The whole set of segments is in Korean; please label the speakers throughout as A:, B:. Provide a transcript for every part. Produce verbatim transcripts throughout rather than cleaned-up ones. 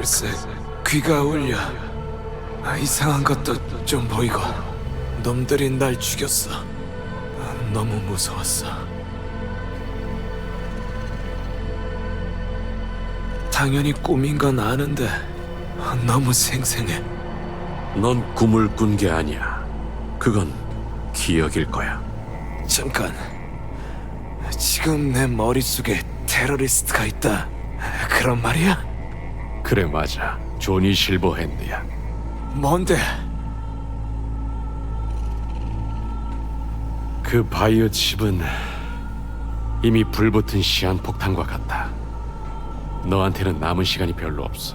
A: 글쎄, 귀가 울려. 아, 이상한 것도 좀 보이고. 놈들이 날 죽였어. 아, 너무 무서웠어. 당연히 꿈인 건 아는데 아, 너무 생생해.
B: 넌 꿈을 꾼 게 아니야. 그건 기억일 거야.
A: 잠깐. 지금 내 머릿속에 테러리스트가 있다. 그런 말이야?
B: 그래, 맞아. 조니 실버핸드야.
A: 뭔데?
B: 그 바이오 칩은 이미 불붙은 시한폭탄과 같다. 너한테는 남은 시간이 별로 없어.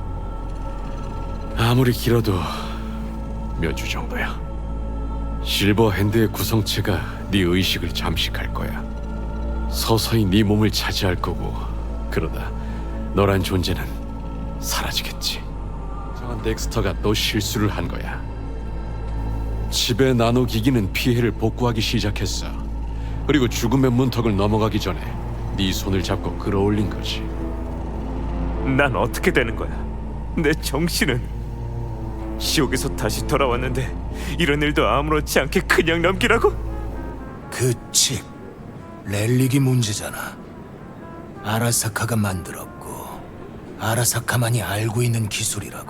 B: 아무리 길어도 몇 주 정도야. 실버핸드의 구성체가 네 의식을 잠식할 거야. 서서히 네 몸을 차지할 거고, 그러다 너란 존재는 사라지겠지. 정한 덱스터가 또 실수를 한 거야. 칩의 나노 기기는 피해를 복구하기 시작했어. 그리고 죽음의 문턱을 넘어가기 전에 네 손을 잡고 끌어올린 거지.
C: 난 어떻게 되는 거야? 내 정신은 지옥에서 다시 돌아왔는데 이런 일도 아무렇지 않게 그냥 넘기라고?
D: 그 칩, 렐릭이 문제잖아. 아라사카가 만들었고 아라사카만이 알고 있는 기술이라고.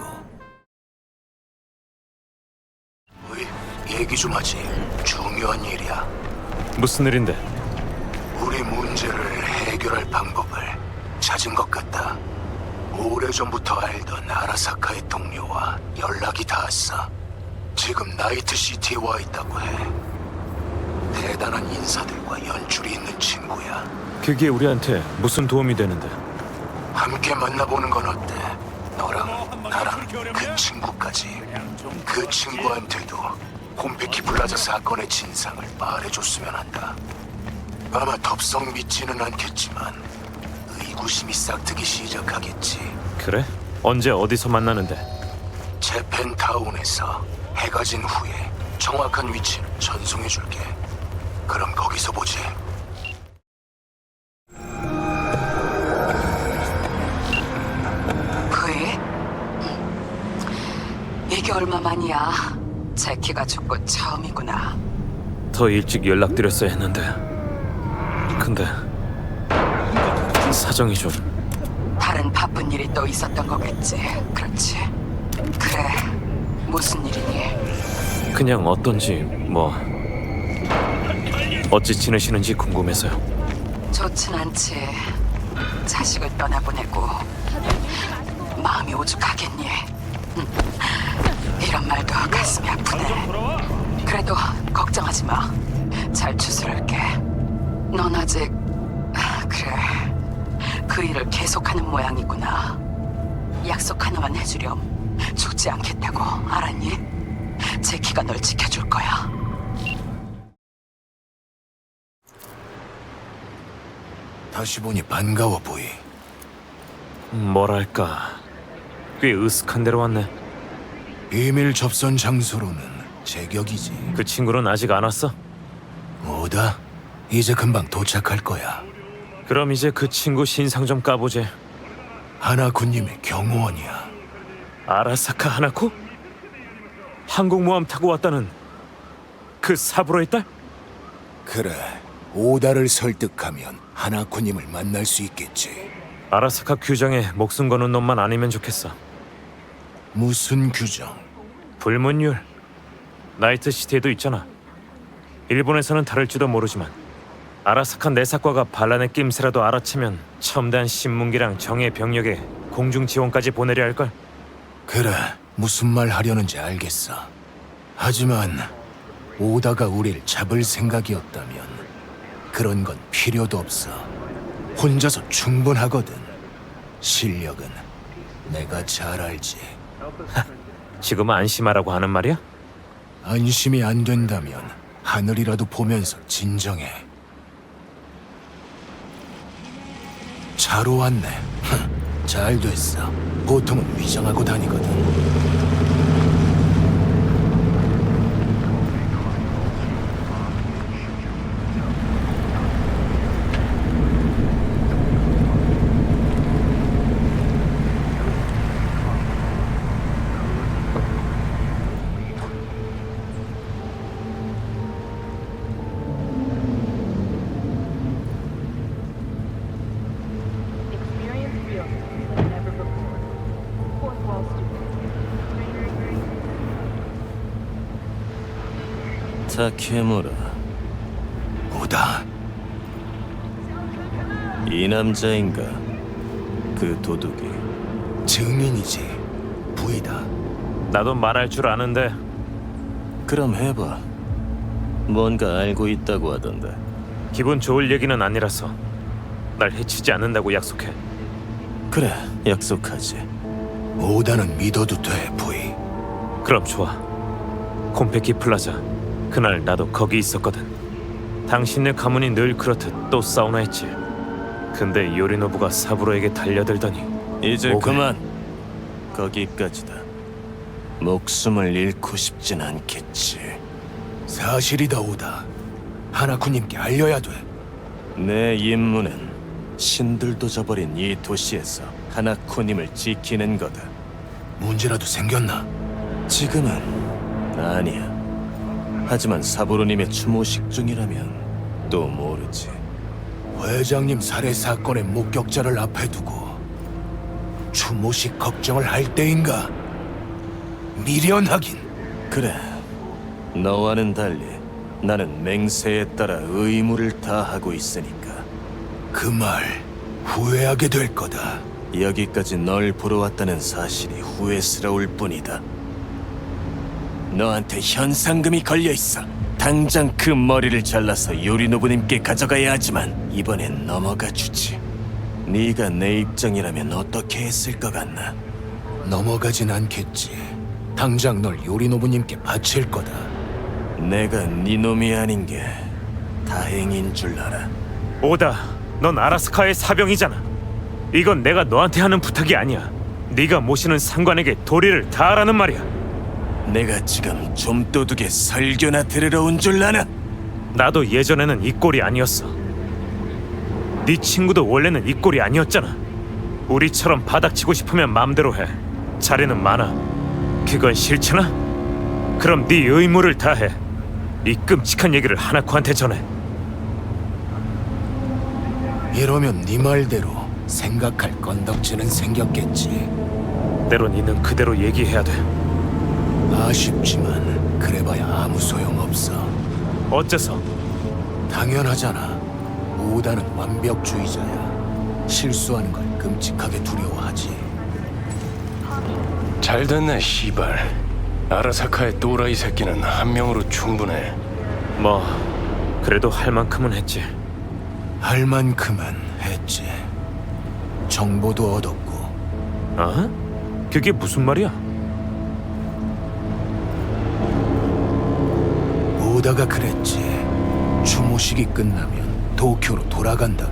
D: 어이, 얘기 좀 하지. 중요한 일이야.
C: 무슨 일인데?
D: 우리 문제를 해결할 방법을 찾은 것 같다. 오래전부터 알던 아라사카의 동료와 연락이 닿았어. 지금 나이트시티에 와 있다고 해. 대단한 인사들과 연줄이 있는 친구야.
C: 그게 우리한테 무슨 도움이 되는데?
D: 함께 만나보는 건 어때? 너랑 나랑 그 친구까지. 그 친구한테도 콤페키 플라자 사건의 진상을 말해줬으면 한다. 아마 덥석 믿지는 않겠지만 의구심이 싹트기 시작하겠지.
C: 그래? 언제 어디서 만나는데?
D: 재팬타운에서 해가 진 후에 정확한 위치는 전송해줄게. 그럼 거기서 보지.
E: 그이? 이게 얼마 만이야? 제키가 죽고 처음이구나.
C: 더 일찍 연락드렸어야 했는데. 근데 사정이 좀...
E: 다른 바쁜 일이 또 있었던 거겠지. 그렇지? 그래. 무슨 일이니?
C: 그냥 어떤지 뭐... 어찌 지내시는지 궁금해서요.
E: 좋진 않지. 자식을 떠나보내고 마음이 오죽하겠니? 음, 이런 말도 가슴이 아프네. 그래도 걱정하지 마. 잘 추스를게. 넌 아직... 아, 그래. 그 일을 계속하는 모양이구나. 약속 하나만 해주렴. 죽지 않겠다고, 알았니? 제키가 널 지켜줄 거야.
D: 다시 보니 반가워 보이.
C: 뭐랄까... 꽤 으슥한 데로 왔네.
D: 비밀 접선 장소로는 제격이지.
C: 그 친구는 아직 안 왔어?
D: 뭐다? 이제 금방 도착할 거야.
C: 그럼 이제 그 친구 신상 좀 까보지.
D: 하나쿠님의 경호원이야.
C: 아라사카 하나코? 항공모함 타고 왔다는 그 사부로의 딸?
D: 그래. 오다를 설득하면 하나쿠님을 만날 수 있겠지.
C: 아라사카 규정에 목숨 거는 놈만 아니면 좋겠어.
D: 무슨 규정?
C: 불문율. 나이트시티에도 있잖아. 일본에서는 다를지도 모르지만 아라사카 내사과가 반란의 낌새라도 알아채면 첨단 신문기랑 정예 병력에 공중 지원까지 보내려 할걸.
D: 그래. 무슨 말 하려는지 알겠어. 하지만 오다가 우릴 잡을 생각이었다면 그런 건 필요도 없어. 혼자서 충분하거든. 실력은 내가 잘 알지.
C: 지금 안심하라고 하는 말이야?
D: 안심이 안 된다면 하늘이라도 보면서 진정해. 자로 왔네. 잘 됐어. 보통은 위장하고 다니거든.
F: 타케무라,
D: 오다.
F: 이 남자인가? 그 도둑이.
D: 증인이지. 부이다.
C: 나도 말할 줄 아는데
F: 그럼 해봐. 뭔가 알고 있다고 하던데.
C: 기분 좋을 얘기는 아니라서 날 해치지 않는다고 약속해.
F: 그래, 약속하지.
D: 오다는 믿어도 돼, 부이.
C: 그럼 좋아. 콤페키 플라자. 그날 나도 거기 있었거든. 당신네 가문이 늘 그렇듯 또 사우나 했지. 근데 요리노부가 사부로에게 달려들더니
F: 이제
C: 뭐가?
F: 그만. 거기까지다. 목숨을 잃고 싶진 않겠지.
D: 사실이다, 오다. 하나쿠님께 알려야 돼.
F: 내 임무는 신들도 저버린 이 도시에서 하나코님을 지키는 거다.
D: 문제라도 생겼나?
F: 지금은 아니야. 하지만 사부로님의 추모식 중이라면 또 모르지.
D: 회장님 살해 사건의 목격자를 앞에 두고 추모식 걱정을 할 때인가? 미련하긴.
F: 그래, 너와는 달리 나는 맹세에 따라 의무를 다하고 있으니까.
D: 그 말 후회하게 될 거다.
F: 여기까지 널 보러 왔다는 사실이 후회스러울 뿐이다. 너한테 현상금이 걸려있어. 당장 그 머리를 잘라서 요리노부님께 가져가야 하지만 이번엔 넘어가 주지. 네가 내 입장이라면 어떻게 했을 것 같나?
D: 넘어가진 않겠지. 당장 널 요리노부님께 바칠 거다.
F: 내가 네 놈이 아닌 게 다행인 줄 알아.
C: 오다. 넌 아라스카의 사병이잖아. 이건 내가 너한테 하는 부탁이 아니야. 네가 모시는 상관에게 도리를 다하라는 말이야.
F: 내가 지금 좀도둑의 설교나 들으러 온 줄 아나?
C: 나도 예전에는 이 꼴이 아니었어. 네 친구도 원래는 이 꼴이 아니었잖아. 우리처럼 바닥치고 싶으면 마음대로 해. 자리는 많아. 그건 싫잖아? 그럼 네 의무를 다해. 이 끔찍한 얘기를 하나코한테 전해.
D: 이러면 네 말대로 생각할 건덕지는 생겼겠지.
C: 때론 있는 그대로 얘기해야 돼.
D: 아쉽지만 그래봐야 아무 소용없어.
C: 어째서?
D: 당연하잖아. 오다는 완벽주의자야. 실수하는 걸 끔찍하게 두려워하지.
G: 잘 됐네, 시발. 아라사카의 또라이 새끼는 한 명으로 충분해.
C: 뭐 그래도 할 만큼은 했지.
D: 할 만큼은 했지. 정보도 얻었고.
C: 어? 그게 무슨 말이야?
D: 오다가 그랬지. 추모식이 끝나면 도쿄로 돌아간다고.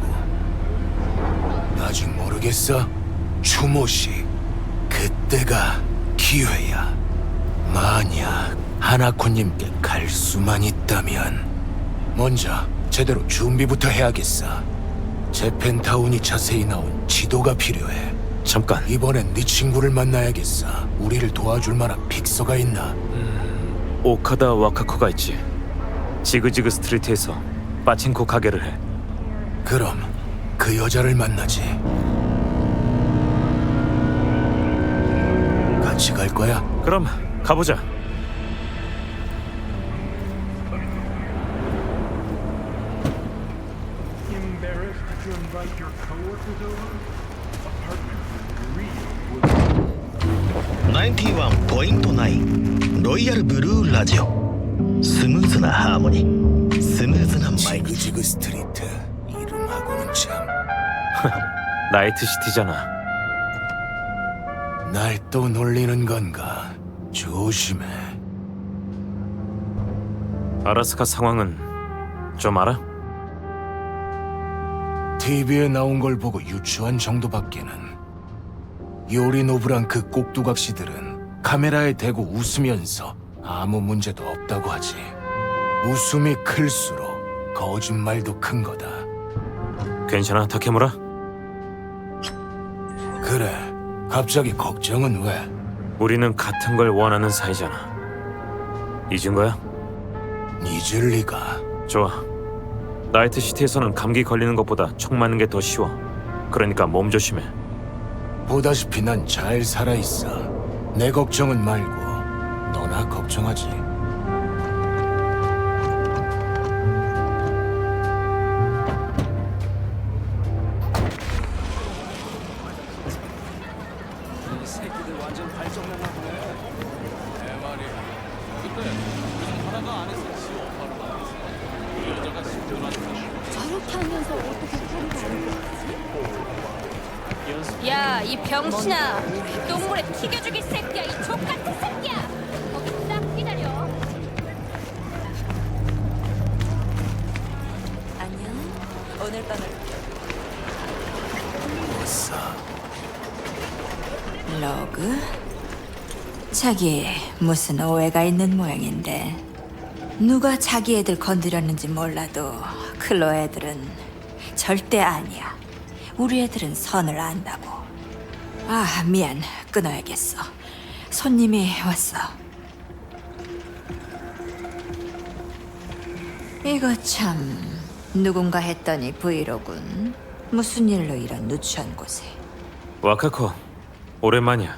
D: 아직 모르겠어? 추모식. 그때가 기회야. 만약 하나코님께 갈 수만 있다면 먼저 제대로 준비부터 해야겠어. 재팬타운이 자세히 나온 지도가 필요해.
C: 잠깐.
D: 이번엔 네 친구를 만나야겠어. 우리를 도와줄 만한 픽서가 있나?
C: 오카다 와카코가 있지. 지그지그 스트리트에서 빠친코 가게를 해.
D: 그럼 그 여자를 만나지. 같이 갈 거야?
C: 그럼 가보자.
H: ナインティワンポイントナイン ロイヤルブルーラジオ。スムーズなハーモニー、スムーズな毎日。
D: 지그지그 스트리트. 이름하고는 참.
C: 나이트 시티잖아.
D: 날 또 놀리는 건가? 조심해.
C: 아라스카 상황은 좀 알아?
D: 티비에 나온 걸 보고 유추한 정도밖에는. 요리노부랑 그 꼭두각시들은 카메라에 대고 웃으면서 아무 문제도 없다고 하지. 웃음이 클수록 거짓말도 큰 거다.
C: 괜찮아, 타케무라?
D: 그래, 갑자기 걱정은 왜?
C: 우리는 같은 걸 원하는 사이잖아. 잊은 거야?
D: 잊을 리가.
C: 좋아. 나이트 시티에서는 감기 걸리는 것보다 총 맞는 게 더 쉬워. 그러니까 몸 조심해.
D: 보다시피 난 잘 살아있어. 내 걱정은 말고 너나 걱정하지.
I: 저렇게 하면서 어떻게 꼬리가 안 야, 이 병신아! 똥물에 튀겨 죽일 새끼야! 이 족같은 새끼야! 거기 딱 기다려! 안녕. 오늘 밤은 로그? 자기 무슨 오해가 있는 모양인데 누가 자기 애들 건드렸는지 몰라도 클로 애들은 절대 아니야. 우리 애들은 선을 안다고. 아, 미안. 끊어야겠어. 손님이 왔어. 이거 참 누군가 했더니 브이로군. 무슨 일로 이런 누추한 곳에.
C: 와카코, 오랜만이야.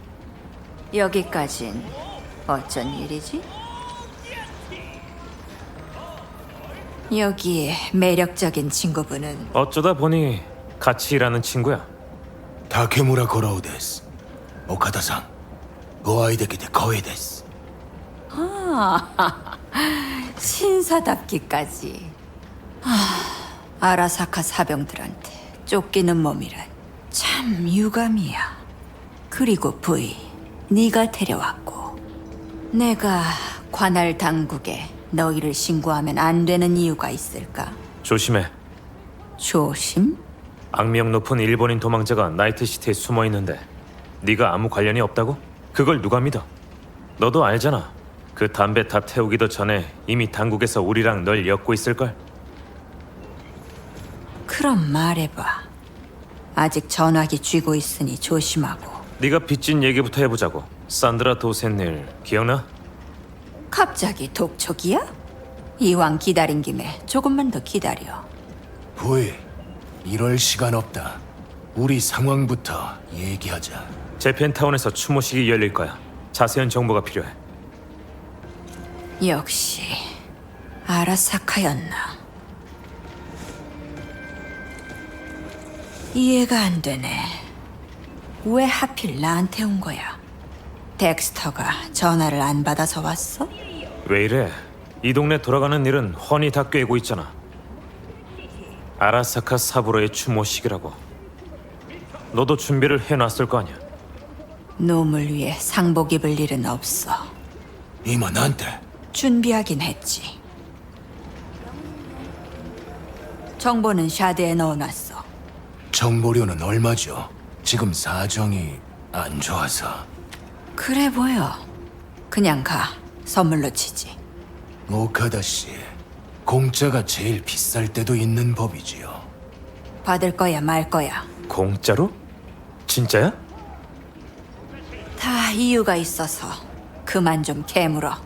I: 여기까진 어쩐 일이지? 여기에 매력적인 친구분은
C: 어쩌다 보니 같이 일하는 친구야.
D: 다케무라 고라우 데스. 오카다さん ご愛できて光栄です.
I: 아, 신사답기까지. 아, 아라사카 사병들한테 쫓기는 몸이란 참 유감이야. 그리고 부이, 네가 데려왔고 내가 관할 당국에 너희를 신고하면 안 되는 이유가 있을까?
C: 조심해.
I: 조심?
C: 악명 높은 일본인 도망자가 나이트시티에 숨어 있는데 네가 아무 관련이 없다고? 그걸 누가 믿어? 너도 알잖아. 그 담배 다 태우기도 전에 이미 당국에서 우리랑 널 엮고 있을걸?
I: 그럼 말해봐. 아직 전화기 쥐고 있으니 조심하고.
C: 네가 빚진 얘기부터 해보자고. 산드라 도센일 기억나?
I: 갑자기 독촉이야? 이왕 기다린 김에 조금만 더 기다려.
D: 부이, 이럴 시간 없다. 우리 상황부터 얘기하자.
C: 재팬타운에서 추모식이 열릴 거야. 자세한 정보가 필요해.
I: 역시 아라사카였나. 이해가 안 되네. 왜 하필 나한테 온 거야? 덱스터가 전화를 안 받아서 왔어?
C: 왜 이래? 이 동네 돌아가는 일은 훤히 다 꿰고 있잖아. 아라사카 사부로의 추모식이라고. 너도 준비를 해놨을 거 아니야.
I: 놈을 위해 상복 입을 일은 없어.
D: 이마 나한테
I: 준비하긴 했지. 정보는 샤드에 넣어놨어.
D: 정보료는 얼마죠? 지금 사정이 안 좋아서.
I: 그래 보여. 그냥 가. 선물로 치지.
D: 오카다 씨, 공짜가 제일 비쌀 때도 있는 법이지요.
I: 받을 거야 말 거야.
C: 공짜로? 진짜야?
I: 다 이유가 있어서 그만 좀 캐물어.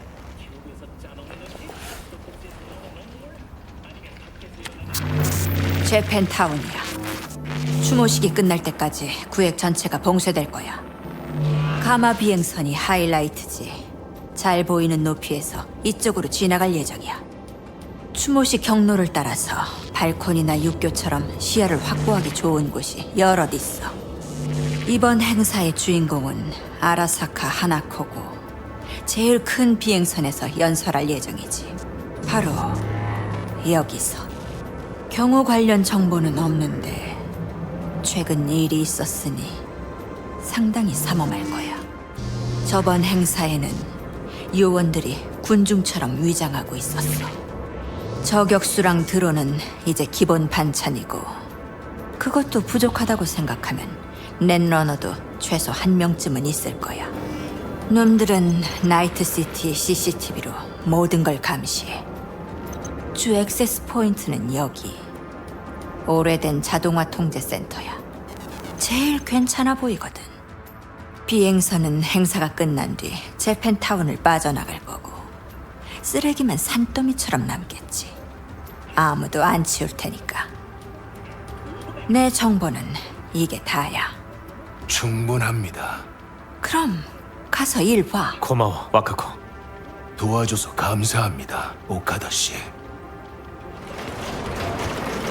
I: 재팬타운이야. 추모식이 끝날 때까지 구획 전체가 봉쇄될 거야. 가마 비행선이 하이라이트지. 잘 보이는 높이에서 이쪽으로 지나갈 예정이야. 추모식 경로를 따라서 발코니나 육교처럼 시야를 확보하기 좋은 곳이 여럿 있어. 이번 행사의 주인공은 아라사카 하나코고 제일 큰 비행선에서 연설할 예정이지. 바로 여기서. 경호 관련 정보는 없는데 최근 일이 있었으니 상당히 삼엄할 거야. 저번 행사에는 요원들이 군중처럼 위장하고 있었어. 저격수랑 드론은 이제 기본 반찬이고 그것도 부족하다고 생각하면 넷러너도 최소 한 명쯤은 있을 거야. 놈들은 나이트시티 씨씨티비로 모든 걸 감시해. 주 액세스 포인트는 여기. 오래된 자동화 통제 센터야. 제일 괜찮아 보이거든. 비행선은 행사가 끝난 뒤 재팬타운을 빠져나갈 거고 쓰레기만 산더미처럼 남겠지. 아무도 안 치울 테니까. 내 정보는 이게 다야.
D: 충분합니다.
I: 그럼 가서 일 봐.
C: 고마워, 와카코.
D: 도와줘서 감사합니다, 오카다 씨.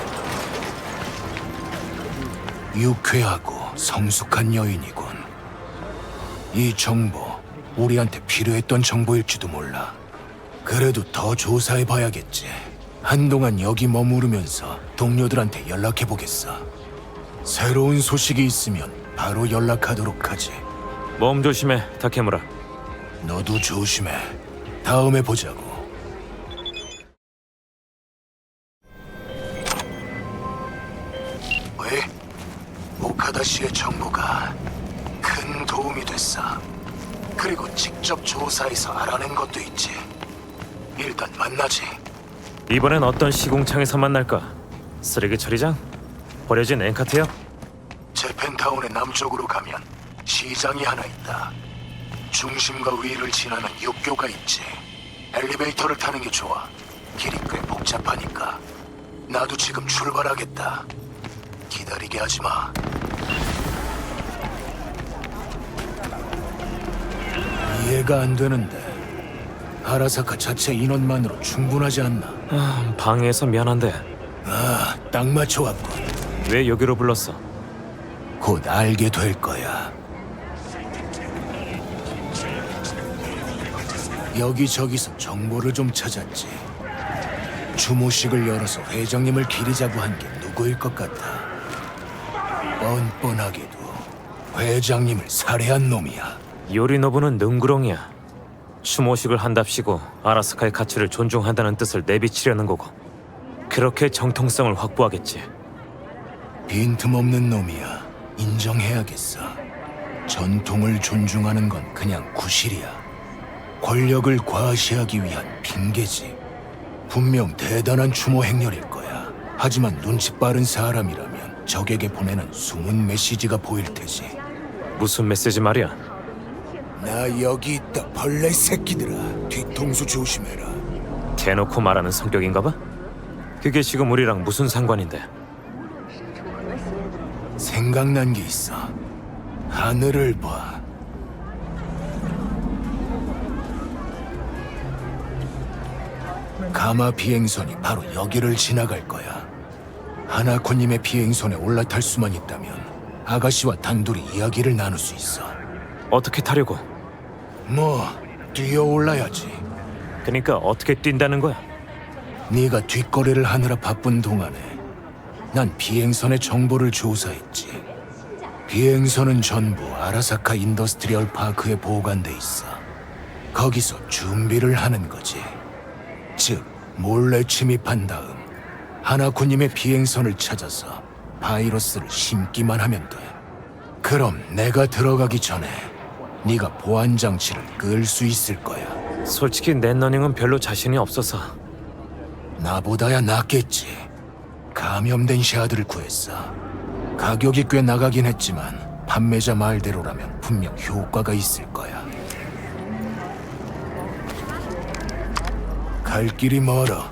D: 유쾌하고 성숙한 여인이군. 이 정보 우리한테 필요했던 정보일지도 몰라. 그래도 더 조사해봐야겠지. 한동안 여기 머무르면서 동료들한테 연락해보겠어. 새로운 소식이 있으면 바로 연락하도록 하지.
C: 몸 조심해, 다케무라.
D: 너도 조심해. 다음에 보자고. 왜? 오카다 씨의 정보가 큰 도움이 됐어. 그리고 직접 조사해서 알아낸 것도 있지. 일단 만나지.
C: 이번엔 어떤 시공창에서 만날까? 쓰레기 처리장? 버려진 엔카트역?
D: 재팬타운의 남쪽으로 가면 시장이 하나 있다. 중심과 위를 지나는 육교가 있지. 엘리베이터를 타는 게 좋아. 길이 꽤 복잡하니까. 나도 지금 출발하겠다. 기다리게 하지 마. 이해가 안 되는데 아라사카 자체 인원만으로 충분하지 않나?
C: 아, 방해해서 미안한데
D: 아, 딱 맞춰왔군.
C: 왜 여기로 불렀어?
D: 곧 알게 될 거야. 여기저기서 정보를 좀 찾았지. 추모식을 열어서 회장님을 기리자고 한 게 누구일 것 같아. 뻔뻔하게도 회장님을 살해한 놈이야.
C: 요리노부는 능구렁이야. 추모식을 한답시고 아라스카의 가치를 존중한다는 뜻을 내비치려는 거고, 그렇게 정통성을 확보하겠지.
D: 빈틈없는 놈이야. 인정해야겠어. 전통을 존중하는 건 그냥 구실이야. 권력을 과시하기 위한 핑계지. 분명 대단한 추모 행렬일 거야. 하지만 눈치 빠른 사람이라면 적에게 보내는 숨은 메시지가 보일 테지.
C: 무슨 메시지 말이야?
D: 나 여기 있다, 벌레 새끼들아. 뒤통수 조심해라.
C: 대놓고 말하는 성격인가 봐? 그게 지금 우리랑 무슨 상관인데?
D: 생각난 게 있어. 하늘을 봐. 가마 비행선이 바로 여기를 지나갈 거야. 하나코님의 비행선에 올라탈 수만 있다면 아가씨와 단둘이 이야기를 나눌 수 있어.
C: 어떻게 타려고?
D: 뭐 뛰어 올라야지.
C: 그러니까 어떻게 뛴다는 거야?
D: 네가 뒷거래를 하느라 바쁜 동안에 난 비행선의 정보를 조사했지. 비행선은 전부 아라사카 인더스트리얼 파크에 보관돼 있어. 거기서 준비를 하는 거지. 즉, 몰래 침입한 다음 하나코님의 비행선을 찾아서 바이러스를 심기만 하면 돼. 그럼 내가 들어가기 전에 네가 보안 장치를 끌 수 있을 거야.
C: 솔직히 넷러닝은 별로 자신이 없어서.
D: 나보다야 낫겠지. 감염된 샤드를 구했어. 가격이 꽤 나가긴 했지만 판매자 말대로라면 분명 효과가 있을 거야. 갈 길이 멀어.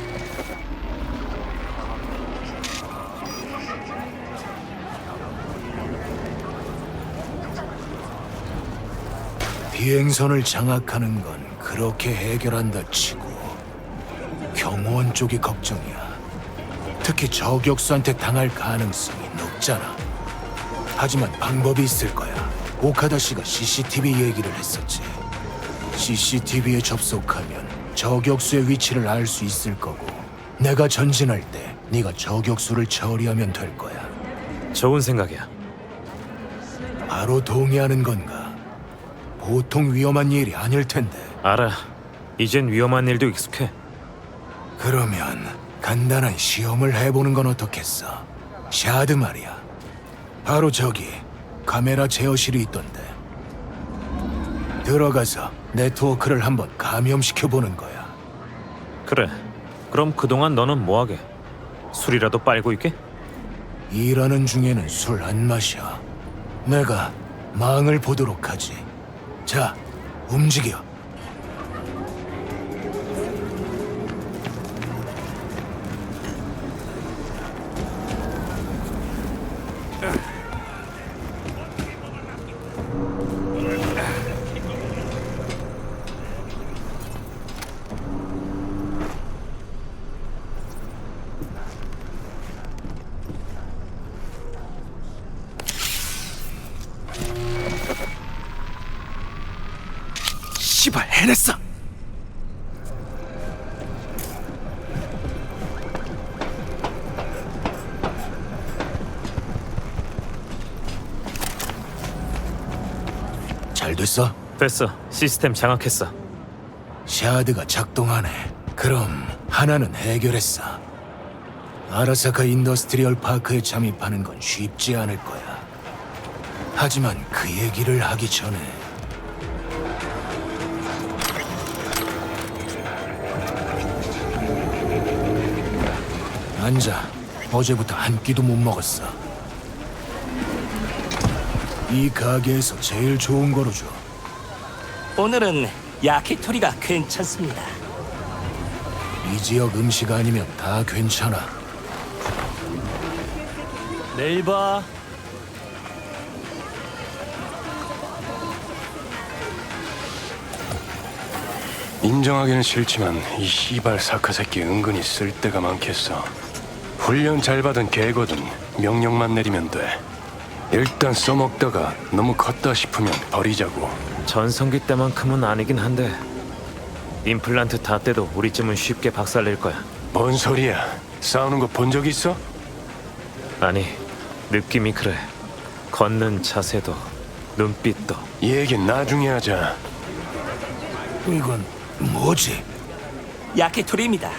D: 비행선을 장악하는 건 그렇게 해결한다 치고 경호원 쪽이 걱정이야. 특히 저격수한테 당할 가능성이 높잖아. 하지만 방법이 있을 거야. 오카다 씨가 씨씨티비 얘기를 했었지. 씨씨티비에 접속하면 저격수의 위치를 알 수 있을 거고, 내가 전진할 때 네가 저격수를 처리하면 될 거야.
C: 좋은 생각이야.
D: 바로 동의하는 건가? 보통 위험한 일이 아닐 텐데.
C: 알아. 이젠 위험한 일도 익숙해.
D: 그러면 간단한 시험을 해보는 건 어떻겠어? 샤드 말이야. 바로 저기 카메라 제어실이 있던데. 들어가서 네트워크를 한번 감염시켜보는 거야.
C: 그래. 그럼 그동안 너는 뭐하게? 술이라도 빨고 있게?
D: 일하는 중에는 술 안 마셔. 내가 망을 보도록 하지. 자, 움직여.
A: 씨발 해냈어.
D: 잘 됐어?
C: 됐어. 시스템 장악했어.
D: 샤드가 작동하네. 그럼 하나는 해결했어. 아라사카 인더스트리얼 파크에 잠입하는 건 쉽지 않을 거야. 하지만 그 얘기를 하기 전에 앉아. 어제부터 한 끼도 못 먹었어. 이 가게에서 제일 좋은 거로 줘.
F: 오늘은 야키토리가 괜찮습니다.
D: 이 지역 음식 아니면 다 괜찮아.
F: 내일 봐.
G: 인정하기는 싫지만 이 씨발 사카 새끼 은근히 쓸데가 많겠어. 훈련 잘 받은 개거든. 명령만 내리면 돼. 일단 써먹다가 너무 컸다 싶으면 버리자고.
C: 전성기 때만큼은 아니긴 한데 임플란트 다 떼도 우리쯤은 쉽게 박살낼 거야.
G: 뭔 소리야? 싸우는 거 본 적 있어?
C: 아니, 느낌이 그래. 걷는 자세도 눈빛도.
G: 이 얘긴 나중에 하자.
D: 이건 뭐지?
F: 야키토리입니다.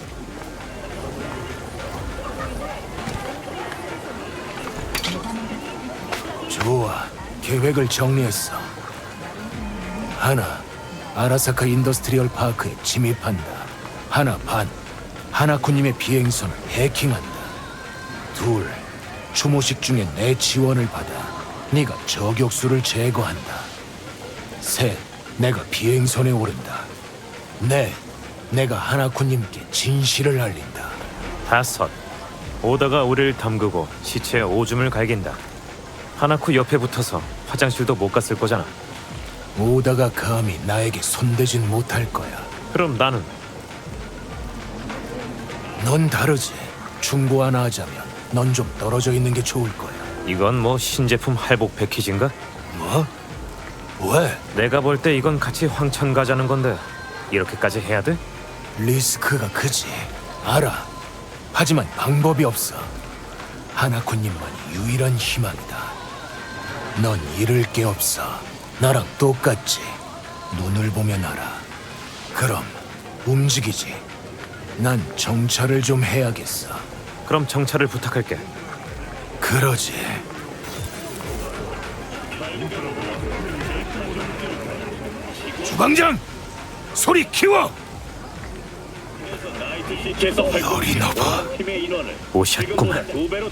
D: 좋아. 계획을 정리했어. 하나, 아라사카 인더스트리얼 파크에 침입한다. 하나 반, 하나쿠님의 비행선을 해킹한다. 둘, 추모식 중에 내 지원을 받아 네가 저격수를 제거한다. 셋, 내가 비행선에 오른다. 넷, 내가 하나쿠님께 진실을 알린다.
C: 다섯, 오다가 우리를 담그고 시체에 오줌을 갈긴다. 하나쿠 옆에 붙어서 화장실도 못 갔을 거잖아.
D: 오다가 감히 나에게 손대진 못할 거야.
C: 그럼 나는
D: 넌 다르지. 충고 하나 하자면 넌 좀 떨어져 있는 게 좋을 거야.
C: 이건 뭐 신제품 할복 패키지인가?
D: 뭐? 왜?
C: 내가 볼 때 이건 같이 황천 가자는 건데 이렇게까지 해야 돼?
D: 리스크가 크지. 알아. 하지만 방법이 없어. 하나쿠님만이 유일한 희망이다. 넌 잃을 게 없어. 나랑 똑같지. 눈을 보면 알아. 그럼 움직이지. 난 정찰을 좀 해야겠어.
C: 그럼 정찰을 부탁할게.
D: 그러지. 주방장! 소리 키워! 요리노부.
C: 오셨구만.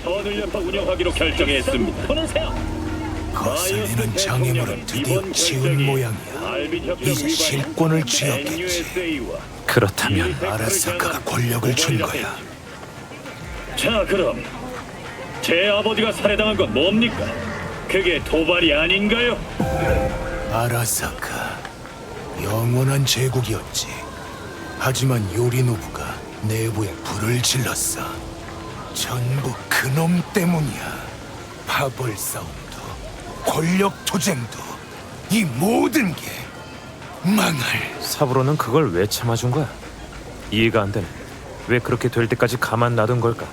D: 거슬리는 장애물은 드디어 치운 모양이야. 이제 실권을 쥐었겠지.
C: 그렇다면
D: 아라사카가 권력을 준 거야.
J: 자, 그럼 제 아버지가 살해당한 건 뭡니까? 그게 도발이 아닌가요?
D: 아라사카, 영원한 제국이었지. 하지만 요리노부가 내부에 불을 질렀어. 전부 그놈 때문이야. 파벌 싸움도, 권력 투쟁도, 이 모든 게 망할.
C: 사부로는 그걸 왜 참아준 거야? 이해가 안 되네. 왜 그렇게 될 때까지 가만 놔둔 걸까?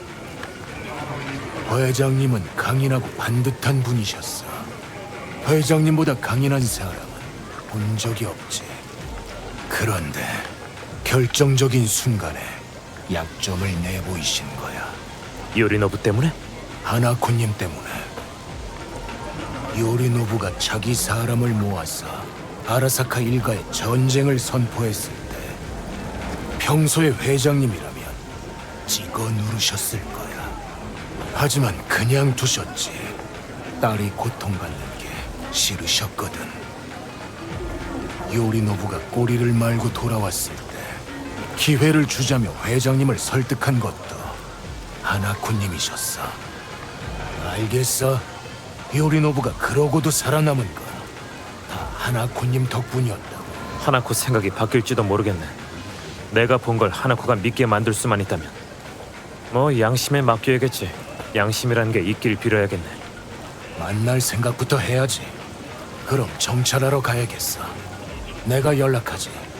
D: 회장님은 강인하고 반듯한 분이셨어. 회장님보다 강인한 사람은 본 적이 없지. 그런데 결정적인 순간에 약점을 내보이신 거야.
C: 요리노부 때문에?
D: 하나코님 때문에. 요리노부가 자기 사람을 모아서 아라사카 일가에 전쟁을 선포했을 때 평소에 회장님이라면 찍어 누르셨을 거야. 하지만 그냥 두셨지. 딸이 고통받는 게 싫으셨거든. 요리노부가 꼬리를 말고 돌아왔을 때 기회를 주자며 회장님을 설득한 것도 하나코님이셨어. 알겠어? 요리노부가 그러고도 살아남은 건 다 하나코님 덕분이었다고.
C: 하나코 생각이 바뀔지도 모르겠네. 내가 본 걸 하나코가 믿게 만들 수만 있다면 뭐 양심에 맡겨야겠지. 양심이라는 게 있길 빌어야겠네.
D: 만날 생각부터 해야지. 그럼 정찰하러 가야겠어. 내가 연락하지.